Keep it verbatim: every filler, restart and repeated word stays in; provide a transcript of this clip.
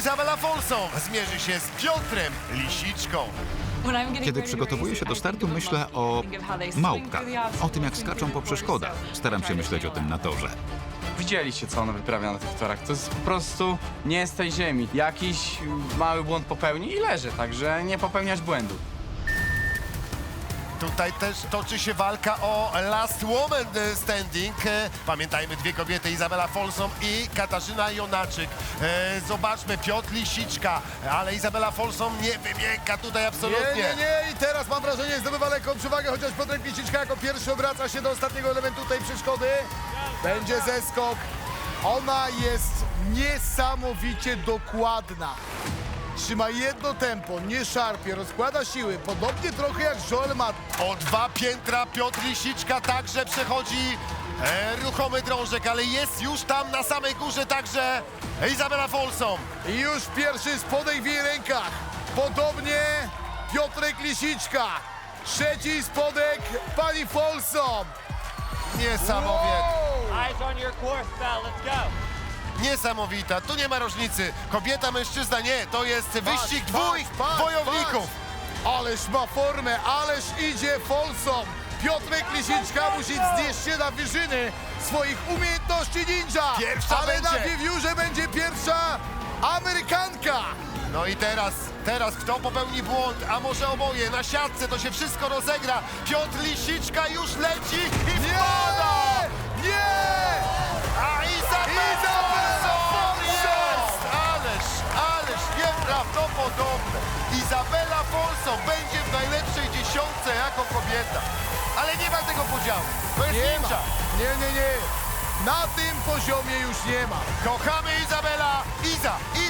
Izabela Folsom zmierzy się z Piotrem Lisiczką. Kiedy przygotowuję się do startu, myślę o małpkach, o tym, jak skaczą po przeszkodach. Staram się myśleć o tym na torze. Widzieliście, co ona wyprawia na tych torach. To jest po prostu nie z tej ziemi. Jakiś mały błąd popełni i leży, także nie popełniać błędu. Tutaj też toczy się walka o Last Woman Standing. Pamiętajmy, dwie kobiety, Izabela Folsom i Katarzyna Jonaczyk. E, zobaczmy, Piotr Lisiczka, ale Izabela Folsom nie wymięka tutaj absolutnie. Nie, nie, nie i teraz mam wrażenie, zdobywa lekką przewagę, chociaż Piotrek Lisiczka jako pierwszy obraca się do ostatniego elementu tej przeszkody. Będzie zeskok. Ona jest niesamowicie dokładna. Trzyma jedno tempo, nie szarpie, rozkłada siły, podobnie trochę jak Joel Matt. O dwa piętra Piotr Lisiczka także przechodzi e, ruchomy drążek, ale jest już tam na samej górze także Izabela Folsom. I już pierwszy spodek w jej rękach. Podobnie Piotrek Lisiczka. Trzeci spodek pani Folsom. Niesamowite. Wow! Eyes on your course, Bell. Let's go. Niesamowita, tu nie ma różnicy. Kobieta, mężczyzna, nie, to jest wyścig Patrz, dwóch patrz, patrz, wojowników. patrz. Ależ ma formę, ależ idzie Folsom. Piotrek Lisiczka musi wznieść się na wyżyny swoich umiejętności ninja. Pierwsza ale na będzie. wiewiórze będzie pierwsza Amerykanka. No i teraz, teraz kto popełni błąd, a może oboje, na siatce to się wszystko rozegra. Piotr Lisiczka już leci i Nie! wpada! Nie! A Izabela Izabela Folsom jest! Ależ, ależ nieprawdopodobne. Izabela Folsom będzie w najlepszej dziesiątce jako kobieta. Ale nie ma tego podziału. To jest Nie ma. ninja. Nie, nie, nie. Na tym poziomie już nie ma. Kochamy Izabela. Iza,